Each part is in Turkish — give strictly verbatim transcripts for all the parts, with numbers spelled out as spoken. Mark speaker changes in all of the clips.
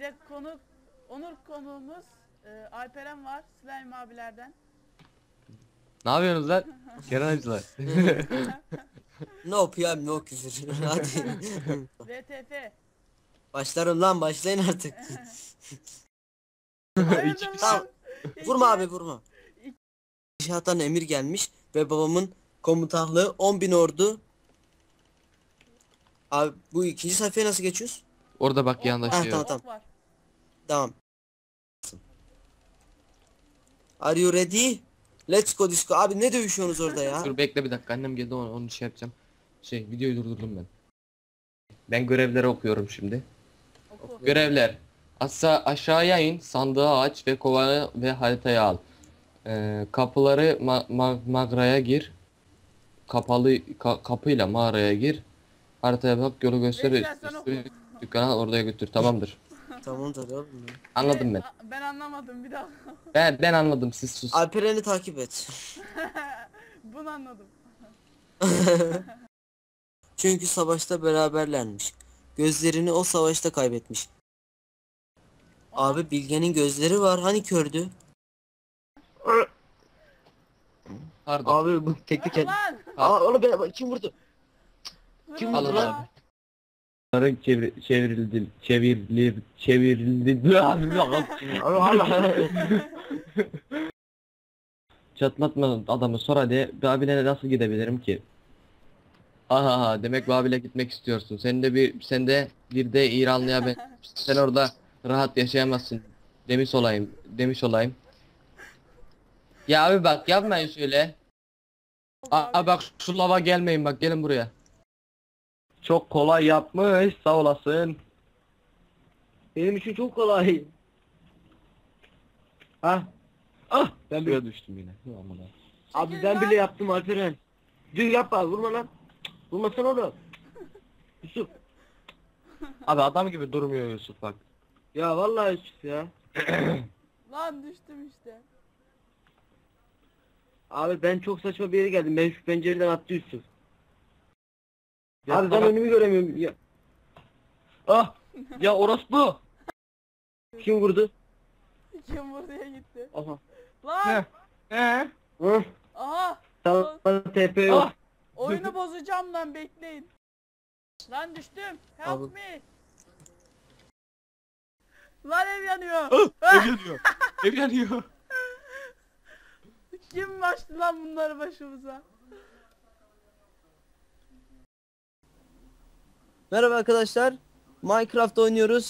Speaker 1: de konuk, onur konuğumuz e, Alperen var, Slime abilerden.
Speaker 2: Ne yapıyorsunuz lan? Kenancılar.
Speaker 3: No piyam no küfür. Hadi.
Speaker 1: V T F.
Speaker 3: Başlarım lan, başlayın artık.
Speaker 1: Hayırdır
Speaker 3: Tamam.
Speaker 1: lan?
Speaker 3: Vurma abi, vurma. İnşaattan emir gelmiş ve babamın komutanlığı on bin ordu. Abi bu ikinci sayfaya nasıl geçiyoruz?
Speaker 2: Orada bak
Speaker 1: Ok
Speaker 2: yanında
Speaker 1: var,
Speaker 2: şey
Speaker 3: Ha,
Speaker 2: yok.
Speaker 3: tamam.
Speaker 1: ok var.
Speaker 3: Tamam. Are you ready? Let's go disco. Abi ne dövüşüyorsunuz orada ya?
Speaker 2: Dur bekle bir dakika, annem geldi, onu, onu şey yapacağım. Şey, videoyu durdurdum ben. Ben görevleri okuyorum şimdi.
Speaker 1: Oku.
Speaker 2: Görevler. Asa aşağıya in, sandığı aç ve kovanı ve haritayı al. Ee, kapıları ma ma mağaraya gir. Kapalı ka kapıyla mağaraya gir. Haritaya bak, yolu göster.
Speaker 1: Veysel, sen oku.
Speaker 2: Dükkana oraya götür. Tamamdır.
Speaker 3: Tamamdır oğlum. ya.
Speaker 2: Anladım ben.
Speaker 1: Ben, ben anlamadım bir daha.
Speaker 2: Ben ben anladım, siz sus.
Speaker 3: Alperen'i takip et.
Speaker 1: Bunu anladım.
Speaker 3: Çünkü savaşta beraberlermiş. Gözlerini o savaşta kaybetmiş. Abi Bilge'nin gözleri var, hani kördü?
Speaker 2: Pardon.
Speaker 3: Abi bu teknik el.
Speaker 1: Lan!
Speaker 3: Aa oğlum ben, kim vurdu? Kim
Speaker 1: Vurma
Speaker 3: vurdu
Speaker 2: lan?
Speaker 1: lan.
Speaker 2: Bunların çevir çevrildi çevrildi çevrildi. Çatlatma adamı, sor hadi. Babil'e nasıl gidebilirim ki? Aha, demek Babil'e gitmek istiyorsun. Sen de bir sen de bir de İranlıya ben sen orada rahat yaşayamazsın demiş olayım. Demiş olayım. Ya abi bak, yapmayın şöyle. Aa bak, şu lava gelmeyin, bak gelin buraya. Çok kolay yapmış, sağ olasın.
Speaker 3: Benim için çok kolay. Ha? Ah ben
Speaker 2: Şuraya
Speaker 3: bir...
Speaker 2: düştüm yine. Hı, aman ha.
Speaker 3: Abi
Speaker 1: Çekil
Speaker 3: ben
Speaker 1: lan.
Speaker 3: bile yaptım Alperen. Dur yapma, vurma lan. Vurmasana oğlum. Yusuf.
Speaker 2: Abi adam gibi durmuyor Yusuf bak.
Speaker 3: Ya vallahi Yusuf ya.
Speaker 1: Lan düştüm işte.
Speaker 3: Abi ben çok saçma bir yere geldim. Ben şu pencereden attı Yusuf.
Speaker 2: Ya
Speaker 3: Abi ben
Speaker 2: bak-
Speaker 3: önümü göremiyorum. Ya,
Speaker 2: Ah! Ya orospu!
Speaker 3: kim vurdu?
Speaker 1: Kim buraya gitti?
Speaker 3: Aha.
Speaker 1: Lan!
Speaker 2: He?
Speaker 3: Hı?
Speaker 1: Aha!
Speaker 3: Sana T P yok.
Speaker 2: Ah!
Speaker 1: Oyunu bozacağım lan, bekleyin. Lan düştüm. Help
Speaker 3: Abi.
Speaker 1: me. Lan ev yanıyor.
Speaker 2: Ah! Ev yanıyor. Ev yanıyor.
Speaker 1: Kim açtı lan bunları başımıza?
Speaker 3: Merhaba arkadaşlar. Minecraft oynuyoruz.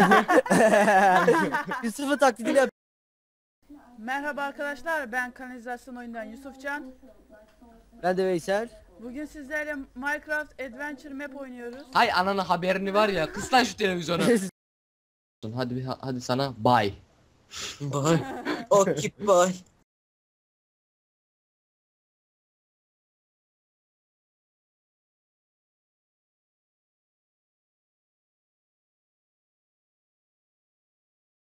Speaker 3: Yusuf'u taklidini yap.
Speaker 1: Merhaba arkadaşlar, ben kanalizasyon oyundan Yusufcan.
Speaker 3: Ben de Veysel.
Speaker 1: Bugün sizlerle Minecraft Adventure Map oynuyoruz.
Speaker 2: Hay ananı, haberini var ya. Kıs lan şu televizyonu. Hadi bir- hadi sana bye.
Speaker 3: Bye. Okay bye.